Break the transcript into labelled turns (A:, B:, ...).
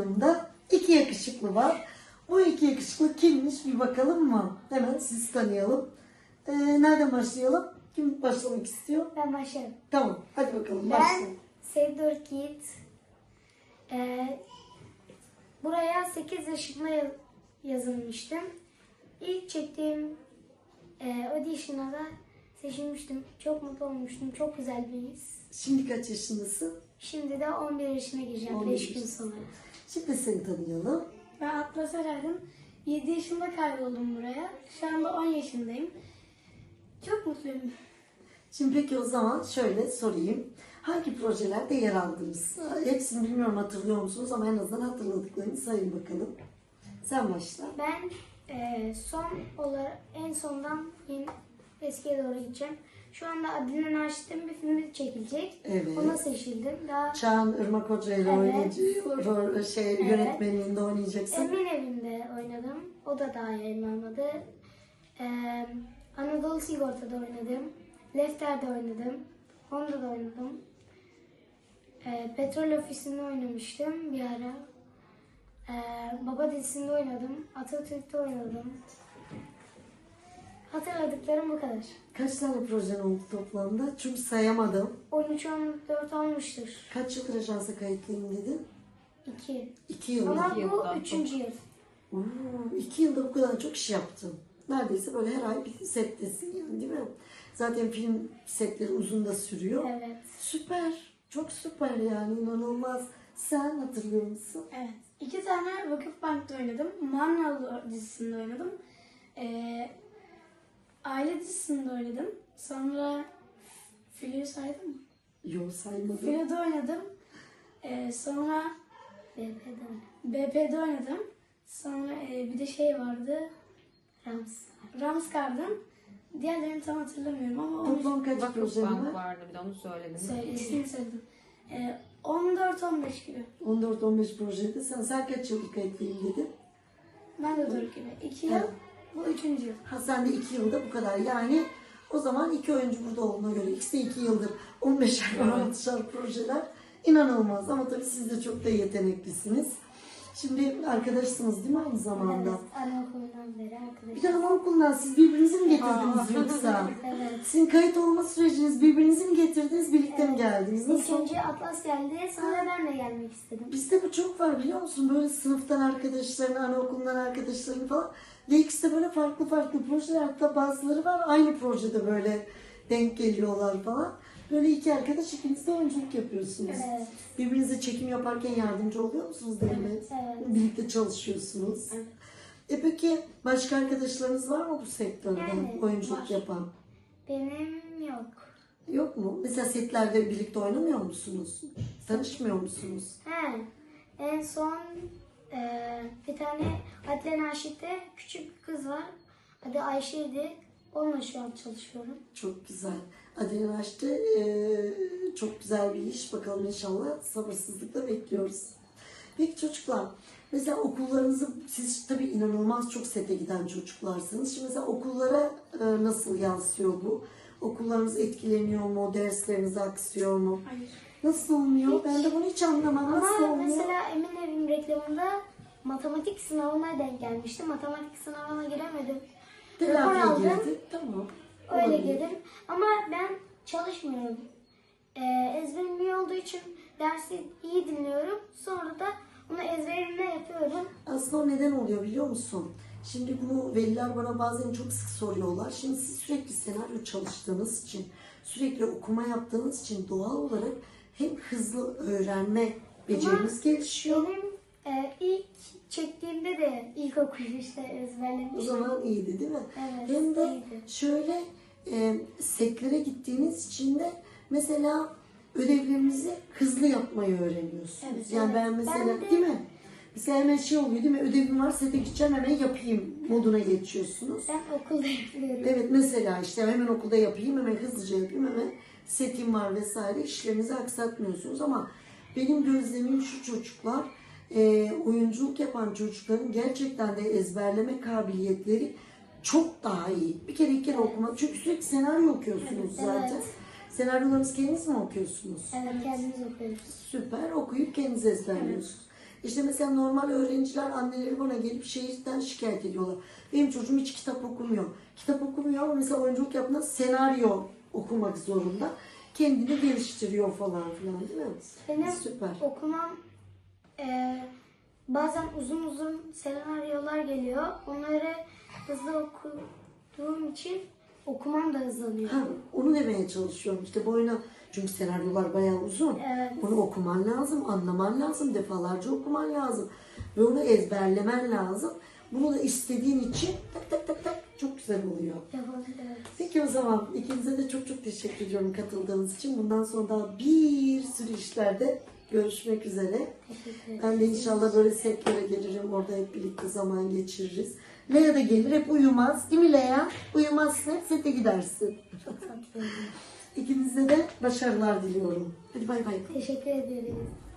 A: yanımda iki yakışıklı var. Bu iki yakışıklı kimmiş bir bakalım mı? Hemen sizi tanıyalım. Nereden başlayalım? Kim başlamak istiyor?
B: Ben başlarım.
A: Tamam, hadi bakalım
B: Ben
A: başlayalım.
B: Sevdur Yiğit. Buraya 8 yaşımda yazılmıştım. İlk çektiğim audition'a da seçilmiştim. Çok mutlu olmuştum. Çok güzel bir his.
A: Şimdi kaç yaşındasın?
B: Şimdi de 11 yaşına gireceğim
A: 11
B: 5 gün sonra.
A: Şimdi seni tanıyalım.
C: Ben Atlas Erer'dim. 7 yaşında kayboldum buraya. Şu anda 10 yaşındayım. Çok mutluyum.
A: Şimdi peki o zaman şöyle sorayım. Hangi projelerde yer aldınız? Hepsini bilmiyorum hatırlıyor musunuz ama en azından hatırladıklarını sayın bakalım. Sen başla.
B: Ben en sondan eskiye doğru gideceğim. Şu anda Adile Naşit'in bir filmi çekilecek.
A: Evet.
B: Ona seçildim. Daha
A: Çağan Irmak Hoca ile
B: Evet.
A: yönetmenliğinde oynayacaksın.
B: Emin Evim'de oynadım. O da daha yayınlanmadı. Anadolu Sigorta'da oynadım. Lefter'de oynadım. Honda'da oynadım. Petrol Ofisi'nde oynamıştım bir ara. Baba dizisinde oynadım. Atatürk'te oynadım. Hatırladıklarım bu kadar.
A: Kaç tane projen oldu toplamda? Çünkü sayamadım.
B: 13-14 olmuştur.
A: Kaç yıldır ajansa kayıtlıyım dedin?
B: 2.
A: 2 yıl.
B: Ama bu
D: yıldan
B: 3. yıl.
A: 2 yılda bu kadar çok iş yaptım. Neredeyse böyle her ay bir settesin yani değil mi? Zaten film setleri uzun da sürüyor.
B: Evet.
A: Süper. Çok süper yani inanılmaz. Sen hatırlıyor musun?
C: Evet. 2 tane Vakıfbank'ta oynadım. Marnalı dizisinde oynadım. Aile dizisinde oynadım. Sonra Filo'yu saydım mı?
A: Yok saymadım.
C: Filo'da oynadım. Sonra BP'de oynadım. Sonra bir de şey vardı. Ramskar'dım. Diğerlerini tam hatırlamıyorum ama onu
A: Toplam kaç projen
D: Vakıfbank
A: var?
D: vardı bir de onu söyledim.
C: ismini söyledim. 14-15 gibi.
A: 14-15 projede sen kaç yıldır kayıtlıyım dedin?
C: Ben de doğru gibi. 2 yıl.
A: Evet.
C: Bu 3. yıl.
A: Ha sen de 2 yılda bu kadar yani o zaman 2 oyuncu burada olduğuna göre ikisi de 2 yıldır 15'er 16'şer projeler inanılmaz ama tabii siz de çok da yeteneklisiniz. Şimdi arkadaşsınız değil mi aynı zamanda?
B: Evet. Anaokulundan beri
A: Bir
B: arkadaşım.
A: de anaokulundan siz birbirinizi mi getirdiniz yoksa?
B: Evet.
A: Sizin kayıt olma süreciniz birbirinizi mi getirdiniz birlikte mi geldiniz?
B: İlk
A: Nasıl?
B: önce Atlas geldi. Sonra ben de gelmek istedim.
A: Bizde bu çok var biliyor musun? Böyle sınıftan arkadaşların, anaokulundan arkadaşların falan. Ve ikisi de böyle farklı farklı projeler. Hatta bazıları var aynı projede böyle denk geliyorlar falan. Böyle iki arkadaş ikiniz de oyunculuk yapıyorsunuz.
B: Evet.
A: Birbirinize çekim yaparken yardımcı oluyor musunuz Demet?
B: Evet.
A: Birlikte çalışıyorsunuz. Peki başka arkadaşlarınız var mı bu sektörde
B: Yani,
A: oyunculuk
C: var.
A: yapan?
B: Benim yok.
A: Yok mu? Mesela setlerde birlikte oynamıyor musunuz? Tanışmıyor musunuz?
B: En son bir tane Adile Naşit'te küçük bir kız var. Adı Ayşe'ydi. Onunla şu an çalışıyorum.
A: Çok güzel. Adile açtı. Çok güzel bir iş. Bakalım inşallah sabırsızlıkla bekliyoruz. Peki çocuklar, mesela okullarınızı, siz tabii inanılmaz çok sete giden çocuklarsınız. Şimdi mesela okullara nasıl yansıyor bu? Okullarınız etkileniyor mu? Dersleriniz aksıyor mu?
C: Hayır.
A: Nasıl olmuyor? Ben de bunu hiç anlamam. Nasıl
B: Ama
A: olmuyor?
B: mesela Emin Evim reklamında matematik sınavına denk gelmişti. Matematik sınavına giremedim. Rapor
A: Telafiye
B: aldım.
A: girdi. Tamam.
B: Öyle
A: Olabilir.
B: girdim. Ama ben çalışmıyorum. Ezberim iyi olduğu için dersi iyi dinliyorum. Sonra da onu ezberimle yapıyorum.
A: Aslında o neden oluyor biliyor musun? Şimdi bunu veliler bana bazen çok sık soruyorlar. Şimdi siz sürekli senaryo çalıştığınız için, sürekli okuma yaptığınız için doğal olarak hem hızlı öğrenme beceriniz gelişiyor.
B: Benim ilk çektiğimde de ilkokul işte
A: O
B: ezberlemiştim.
A: zaman iyiydi değil mi?
B: Evet,
A: Hem de
B: iyiydi.
A: şöyle setlere gittiğiniz için de mesela ödevlerinizi hızlı yapmayı öğreniyorsunuz.
C: Evet,
A: yani
B: evet.
A: ben mesela
B: Ben de-
A: değil mi? Mesela hemen şey oluyor değil mi? Ödevim var sete gideceğim hemen yapayım moduna geçiyorsunuz.
B: Ben okulda yapıyorum.
A: Evet mesela işte hemen okulda yapayım, hemen hızlıca yapayım, hemen setim var vesaire işlerinizi aksatmıyorsunuz ama benim gözlemim şu çocuklar, oyunculuk yapan çocukların gerçekten de ezberleme kabiliyetleri çok daha iyi. Bir kere iki kere okuma. Çünkü sürekli senaryo okuyorsunuz
B: Evet,
A: zaten.
B: evet.
A: Senaryolarınızı kendiniz mi okuyorsunuz?
B: Evet, kendimiz okuyoruz.
A: Süper. Okuyup kendiniz ezberliyorsunuz. İşte mesela normal öğrenciler, anneleri bana gelip şehirden şikayet ediyorlar. Benim çocuğum hiç kitap okumuyor. Kitap okumuyor ama mesela oyunculuk yaptığında senaryo okumak zorunda. Kendini geliştiriyor falan filan, değil mi?
B: Benim
A: Süper.
B: okumam bazen uzun uzun senaryolar geliyor. Onları hızlı okuduğum için okumam da hızlanıyor.
A: Ha, onu demeye çalışıyorum. İşte boyuna, çünkü senaryolar bayağı uzun.
B: Evet.
A: Onu okuman lazım, anlaman lazım, defalarca okuman lazım. Ve onu ezberlemen lazım. Bunu da istediğin için tak tak tak tak çok güzel oluyor.
B: Yapabilirim.
A: Peki o zaman ikinize de çok çok teşekkür ediyorum katıldığınız için. Bundan sonra daha bir sürü işlerde görüşmek üzere.
B: Teşekkür ederim.
A: Ben de inşallah böyle setlere gelirim. Orada hep birlikte zaman geçiririz. Lea da gelir. Hep uyumaz. Değil mi Lea? Uyumazsın. Hep sete gidersin.
B: Çok tatlı.
A: İkinize de başarılar diliyorum. Hadi bay bay.
B: Teşekkür ederiz.